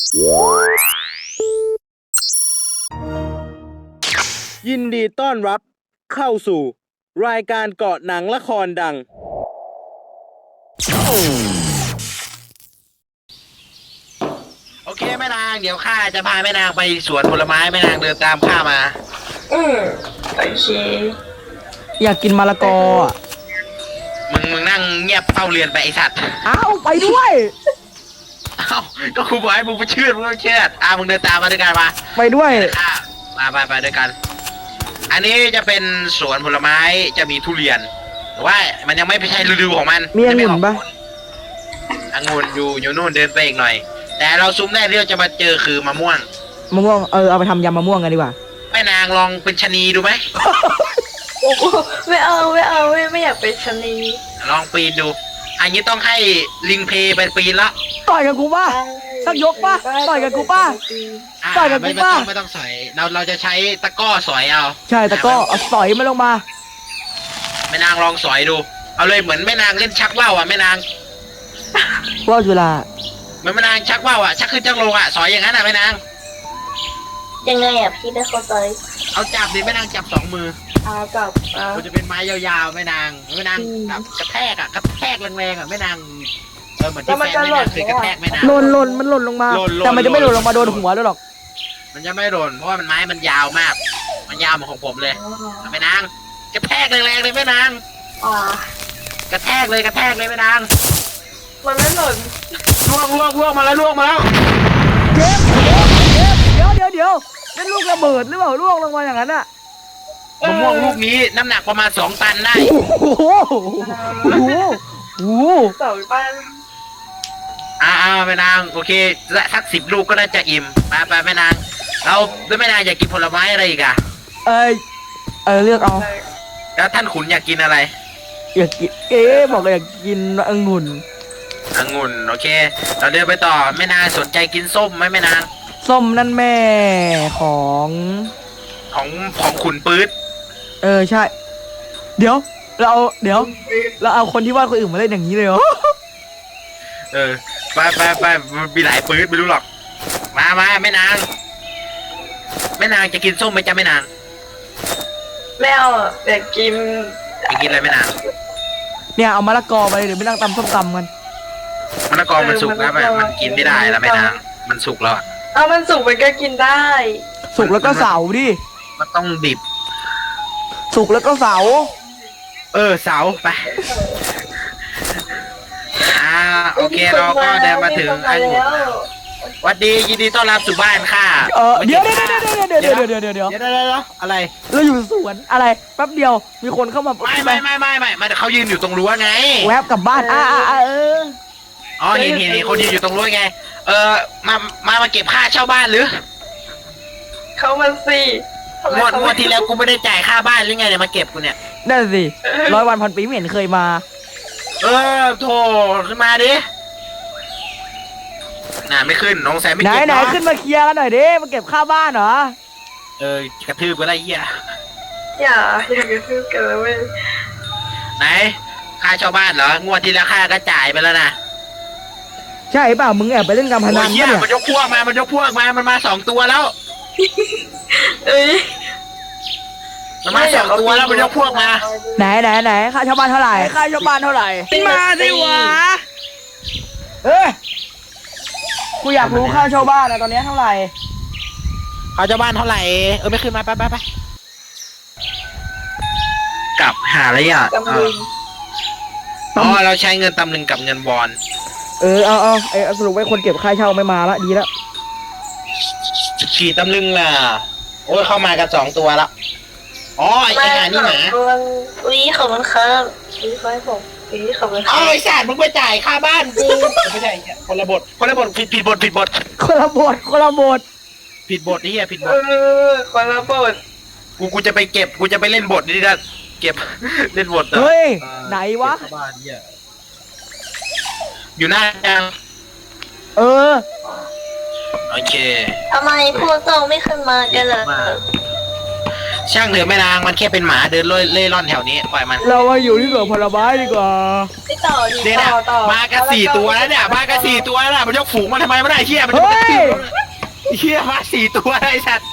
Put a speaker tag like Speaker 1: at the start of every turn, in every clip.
Speaker 1: ยินดีต้อนรับเข้าสู่รายการเกาะหนังละครดัง
Speaker 2: โอเคแม่นางเดี๋ยวข้าจะพาแม่นางไปสวนผลไม้แม่นางเดินตามข้ามา
Speaker 3: โอเค
Speaker 4: อยากกินมะละกออ่ะ
Speaker 2: มึงนั่งเงียบเฝ้าเรียนไปไอสัตว์
Speaker 4: อ้าวไปด้วย
Speaker 2: เอ้าก็ครูบอกให้มึงไปเชื่อมึงต้องเชื่อมึงเดินตามมาด้วยกันมา
Speaker 4: ไปด้วย
Speaker 2: ไปด้วยกันอันนี้จะเป็นสวนผลไม้จะมีทุเรียนแต่ว่ามันยังไม่ใช่ฤดูของมัน
Speaker 4: มีองุ่นปะ
Speaker 2: องุ่นอยู่นู่นเดินไปอีกหน่อยแต่เราซุ้มแรกที่เราจะมาเจอคือมะม่วง
Speaker 4: เอาไปทำยำมะม่วงกันดีกว่า
Speaker 2: แม่นางลองเป็นชะนีดูไหม
Speaker 3: โอ้ไม่เอาไม่อยากเป็นชะนี
Speaker 2: ลองปีนดูอันนี้ต้องให้ลิงเพไปปีนละ
Speaker 4: ต่อยกับกูป่ะสักยกป่ะต่อยกับกูป่ะต่อยกับกูป่ะ
Speaker 2: ไม่ต้องสอยเราจะใช้ตะก้อสอยเอา
Speaker 4: ใช่ตะก้อเอาสอยมันลงมา
Speaker 2: แม่นางลองสอยดูเอาเลยเหมือนแม่นางเล่นชักว่าวแม่นาง
Speaker 4: ว่าวจุฬา
Speaker 2: เหมือนแม่นางชักว่าวชักขึ้นชักลงสอยอย่างนั้นแม่นาง
Speaker 3: ยังไงพี่ไม่เข้าใจ
Speaker 2: เอาจับดิแม่นางจับ2 มือ
Speaker 3: จับ
Speaker 2: มันจะเป็นไม้ยาวๆแม่นางแบบกระแทกแรงๆแม่นางเหมือนที่แฟนแม่นางเคยกระแทกแม่นาง
Speaker 4: หล่นมันหล่นลงมาแต่มันจะไม่หล่นลงมาโดนหัวด้วยหรอก
Speaker 2: มันจะไม่หล่นเพราะว่ามันไม้มันยาวมากมันยาวเหมือนของผมเลยแม่นางกระแทกแรงๆเลยแม่นางกระแทกเลยแม่นาง
Speaker 3: มันไม่หล่น
Speaker 2: ล่วงมาแล้ว
Speaker 4: เดี๋ยวเป็นลูกระเบิดหรือเปล่าล่วงลงมาอย่างนั้นอะ
Speaker 2: มะม่วงลูกนี้น้ำหนักประมาณ2 ตันได้
Speaker 4: โอ้โห
Speaker 3: 2 ตัน
Speaker 2: แม่นางโอเคสัก10 ลูกก็น่าจะอิ่มไปแม่นางเราแม่นางอยากกินผลไม้อะไรอีก
Speaker 4: เลือกเอา
Speaker 2: แล้วท่านขุนอยากกินอะไร
Speaker 4: อยากกินบอกอยากกินองุ่น
Speaker 2: โอเคเราเดินไปต่อแม่นางสนใจกินส้มไหมแม่นาง
Speaker 4: ส้มนั่นแม่ของ
Speaker 2: ขุนปื๊ด
Speaker 4: ใช่เดี๋ยวเราเอาคนที่วาดคนอื่นมาเล่นอย่างนี้เลยเหรอ
Speaker 2: ไปมีหลายปื๊ดไม่รู้หรอกมาแม่นางจะกินส้มไหมจ๊ะแม่นาง
Speaker 3: ไม่เอาอยากกิน
Speaker 2: อะไรแม่นาง
Speaker 4: เนี่ยเอามะละกอไปเดี๋ยวไม่นั่งตำส้มตำกัน
Speaker 2: มะละกอมันสุกแล้วมันกินไม่ได้แล้วแม่นางมันสุกแล้ว
Speaker 3: มันสุกมันก็กินได้
Speaker 4: สุกแล้วก็เสาดิ
Speaker 2: มันต้องดิบ
Speaker 4: สุกแล้วก็เสา
Speaker 2: เสาไปโอเคเราก็เดินมาถึงไอ้หมูวัดดียินดีต้อนรับสู่บ้านค่ะ
Speaker 4: เดี๋ยว
Speaker 2: อะไร
Speaker 4: เราอยู่สวนอะไรแป๊บเดียวมีคนเข้ามา
Speaker 2: ไม่เขายืนอยู่ตรงรั้วไง
Speaker 4: แวบกลับบ้าน
Speaker 2: เห็นคนยืนอยู่ตรงรั้วไงมาเก็บค่าเช่าบ้านหรือ
Speaker 3: เขามันสิ
Speaker 2: งวดที่แล้วกูไม่ได้จ่ายค่าบ้านหรือไงเนี่ยมาเก็บกูเนี่ย
Speaker 4: นั่นสิ100 วันพันปีไม่เห็นเคยมา
Speaker 2: โถขึ้นมาดิไม่ขึ้นน้องแซมไม่เก็บ
Speaker 4: ไหนขึ้นมาเคลียร์กันหน่อยดิมาเก็บค่าบ้านเหร
Speaker 2: กระทืบก็ได้เหี้ย
Speaker 3: อย่ากระทืบกันเลย
Speaker 2: ไหนค่าเช่าบ้านเหรองวดที่แล้วค่าก็จ่ายไปแล้วนะ
Speaker 4: ใช่เปล่ามึงแอบไปเล่นการพนัน
Speaker 2: เนี่ยมันยกพวกมามันมา2 ตัวแล้วมันมา2 ตัวแล้วมันยกพวกมา
Speaker 4: ไหนค่าเช่าบ้านเท่าไหร่มาดิวะกูอยากรู้ค่าเช่าบ้านตอนนี้เท่าไหร่
Speaker 2: ค่าเช่าบ้านเท่าไหร่ไม่ขึ้นมาไปกลับหาอะไรเราใช้เงินตำลึงกับเงินบอล
Speaker 4: เอาสรุปไว้คนเก็บค่าเช่าไม่มาละดีแล้ว
Speaker 2: ขี่ตำลึงล่ะเข้ามากัน2 ตัวแล้วไอ้หานี่หมา
Speaker 3: ขอบคุณครับขอให้ผมขอบคุณครับ
Speaker 2: ไอ้สัตว์มึงไปจ่ายค่าบ้านกูไม่ใช่คนละบทผิดบท
Speaker 4: คนละบท
Speaker 2: ผิดบทนี่ผิดบท
Speaker 3: คนละบท
Speaker 2: กูจะไปเก็บกูจะไปเล่นบทนี่นะเก็บเล่นบท
Speaker 4: เฮ้ยไหนวะ
Speaker 2: อยู่หน้ายัง
Speaker 4: โอ
Speaker 2: เค
Speaker 3: ทำไมพวกเจ้าไม่ขึ้นมากันล่ะ
Speaker 2: ช่างเถอะแม่นางมันแค่เป็นหมาเดินเล่ร่อนแถวนี้ปล่อยมัน
Speaker 4: เรามาอยู่ที่สวนผลไม้ดีกว่า
Speaker 3: ไปต่อดิ
Speaker 2: เนี่ยนะ
Speaker 3: ต่อ
Speaker 2: มากัน4 ตัวแล้วเนี่ยมากัน4 ตัวแล้วนะมันยกฝูงมาทำไมไม่ได้เชี่ยมัน
Speaker 4: เฮ้ย
Speaker 2: เชี่ยมา4 ตัวไอ้สัตว์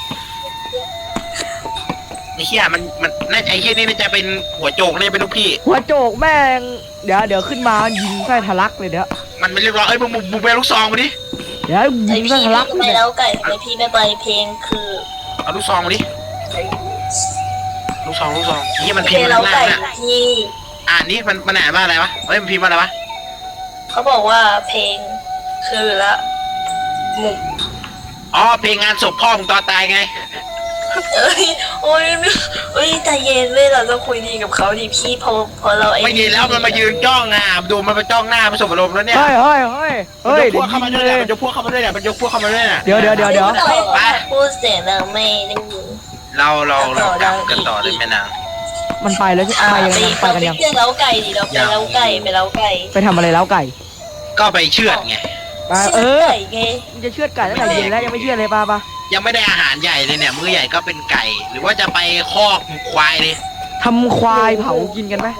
Speaker 2: ไอ้เชี่ยมันน่าจะไอ้เชี่ยนี่น่าจะเป็นหัวโจกเนี่ยเป็นลูกพี่
Speaker 4: หัวโจกแม่งเดี๋ยวขึ้นมายิงไส้ทะลักเลยเดี๋ยว
Speaker 2: มันไม่เรียบร้อยเอ้ยมึงไปลูกซองมาดิ
Speaker 4: เดี๋ยว
Speaker 3: ไอ
Speaker 4: ยิงไส้
Speaker 3: พี่
Speaker 4: ทะลัก
Speaker 3: ทำไม
Speaker 4: เลย
Speaker 3: แล้วไก่ทำไมพี่ไม่ไปเพลงคือ
Speaker 2: เอาลูกซองมาดิลูกซองนี่มัน
Speaker 3: เพ
Speaker 2: พิ
Speaker 3: ล
Speaker 2: ม
Speaker 3: ง
Speaker 2: พ์
Speaker 3: แล้ว
Speaker 2: ข้าง
Speaker 3: ไก่
Speaker 2: ล่างน่ะ
Speaker 3: ที่
Speaker 2: อ่านนี่มันอ่านว่าอะไรวะเฮ้ยมันพิมพ์ว่าอะไรวะ
Speaker 3: เขาบอกว่าเพลงคือละมุก
Speaker 2: อ๋อเพลงงานศพพ่อมึงตอนตายไง
Speaker 3: เอ้ยโอ้ยใจเย็นเว้ยเราต้องคุยดีกับเขาดิพี่พอเราไอ้
Speaker 2: ไม่ยินแล้วมันมายืนจ้องอ่ะดูมันมาจ้องหน้ามันสบอารมณ์แล้วเนี่ย
Speaker 4: เฮ้ย
Speaker 2: มัน
Speaker 4: เดี๋
Speaker 2: ย
Speaker 4: ยว
Speaker 2: กพวกเข้ามาด้วย
Speaker 4: เล
Speaker 2: เนี่ย
Speaker 4: ย
Speaker 2: มันยกพวกเข้ามาด้วยเนี่ยมันยกพวกเข้ามาด้วยเนี่ย
Speaker 4: เดี๋ยว
Speaker 2: ไป
Speaker 3: พูดเสียงเราไม่ได้ยิน
Speaker 2: เรากลับกันต่อเลยแม่นาง
Speaker 4: มันไปแล้วใช่ไหมไปยังไงไปกันยัง
Speaker 3: เรื่องเล้าไก่ดิเราไปเล้าไก่ไปเล้าไก่
Speaker 4: ไปทำอะไรแล้วไก่
Speaker 2: ก็ไปเชือดไง
Speaker 4: ไป
Speaker 3: ไก่ไง
Speaker 4: มึงจะเชือดไก่ตั้งแต่เย็นแล้วยังไม่เชือดเลยป่ะ
Speaker 2: ยังไม่ได้อาหารใหญ่เลยเนี่ยมื้อใหญ่ก็เป็นไก่ หรือว่าจะไปคอกควายเลย
Speaker 4: ทำควายเผากินกันไหม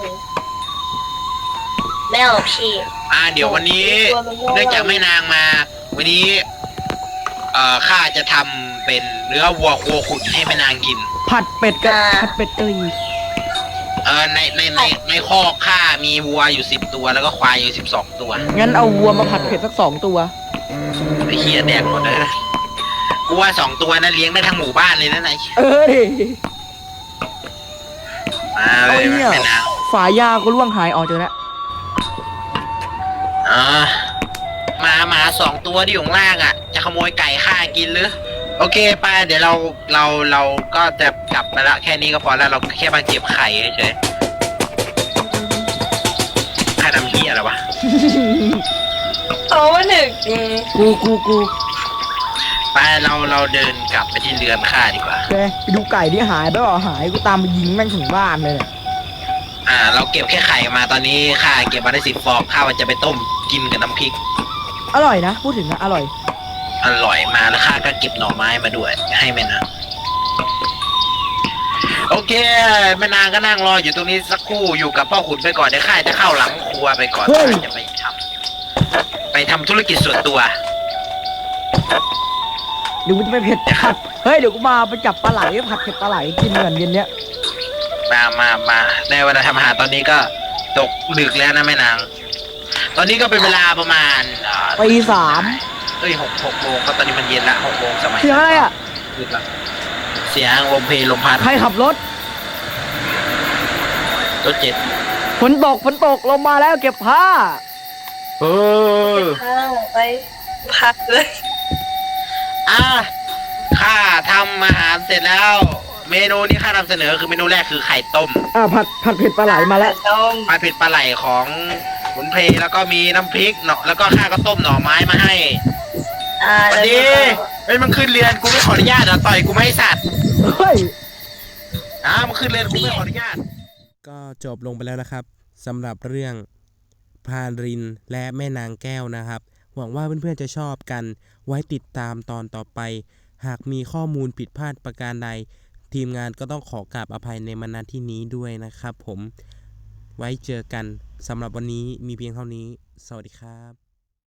Speaker 3: ไม่เอาพี่
Speaker 2: เดี๋ยววันนี้เนื่องจากแม่นางมา วันนี้ข้าจะทำเป็นเนื้อวัวโคขุนให้แม่นางกิน
Speaker 4: ผัดเป็ดกับผัดเป็ดกะหรี่
Speaker 2: ในคอกข้ามีวัวอยู่10 ตัวแล้วก็ควายอยู่12 ตัว
Speaker 4: งั้นเอาวัวมาผัดเผ็ดสัก2 ตัว
Speaker 2: ไอ้เหี้ยแดกหมดเลยนะกูว่า2 ตัวนั้นเลี้ยงได้ทั้งหมู่บ้านเลยนะนาย
Speaker 4: ดิ
Speaker 2: มาเลยแม่นาง
Speaker 4: ฝายาก็ล่วงหายออกเจอแล้ว
Speaker 2: หมา2 ตัวที่อยู่ข้างล่างอ่ะจะขโมยไก่ข้ากินหรือโอเคไปเดี๋ยวเราก็จะกลับมาละแค่นี้ก็พอแล้วเราแค่มาเก็บไข่เฉยๆข้าทำเหี้ยอะไรวะ
Speaker 3: เขาหนึ่ง
Speaker 4: กู
Speaker 2: ไปเราเดินกลับไปที่เรือนข้าดีกว่า
Speaker 4: ไปดูไก่ที่หายไปบอกหายกูตามไปยิงแม่งถึงบ้านเลยเนี่ย
Speaker 2: เราเก็บแค่ไข่มาตอนนี้ข้าเก็บมาได้10 ฟองข้าว่าจะไปต้มกินกับน้ำพริก
Speaker 4: อร่อยนะพูดถึงนะอร่อย
Speaker 2: อร่อยมาแล้วข้าก็เก็บหน่อไม้มาด้วยให้แม่นางโอเคแม่นางก็นั่งรออยู่ตรงนี้สักครู่อยู่กับพ่อขุนไปก่อนเดี๋ยวข้าจะเข้าหลังครัวไปก่อนข้าจะไปทำธุรกิจส่วนตัว
Speaker 4: เดี๋ยวกูจะไปเผ็ดผัดเฮ้ยเดี๋ยวกูมาไปจับปลาไหลผัดเผ็ดปลาไหลกินเหมือนเย็นเนี้ย
Speaker 2: มาในเวลาทำอาหารตอนนี้ก็ตกดึกแล้วนะแม่นางตอนนี้ก็เป็นเวลาประมาณ
Speaker 4: ตี 3
Speaker 2: 6 โมงก็ตอนนี้มันเย็นละ6 โมงสมัย
Speaker 4: เสียงอะไรอ่ะ
Speaker 2: ดึกละเสียงลมเพลลมพัด
Speaker 4: ใครขับรถ
Speaker 2: รถเจ็ด
Speaker 4: ฝนตกลงมาแล้วเก็บผ้า
Speaker 3: ไปพักเลย
Speaker 2: ข้าทำอาหารเสร็จแล้ว เมนูที่ข้านำเสนอคือเมนูแรกคือไข่ต้ม
Speaker 4: ผัดเผ็ดปลาไหลมาแล้ว
Speaker 3: ต้ม
Speaker 2: ปลาเผ็ดปลาไหลของขุนเพลแล้วก็มีน้ำพริกเนาะแล้วก็ข้าก็ต้มหน่อไม้มาให้สวัสดีเฮ้ยมันขึ้นเรือนกูไม่ขออนุญาตต่อยกูไม่ให้สัตว์
Speaker 4: เฮ้ย
Speaker 2: มันขึ้นเรือนกูไม่ขออนุญาต
Speaker 1: ก็จบลงไปแล้วนะครับสำหรับเรื่องพรานรินและแม่นางแก้วนะครับหวังว่าเพื่อนๆจะชอบกันไว้ติดตามตอนต่อไปหากมีข้อมูลผิดพลาดประการใดทีมงานก็ต้องขอกราบอภัยในณที่นี้ด้วยนะครับผมไว้เจอกันสำหรับวันนี้มีเพียงเท่านี้สวัสดีครับ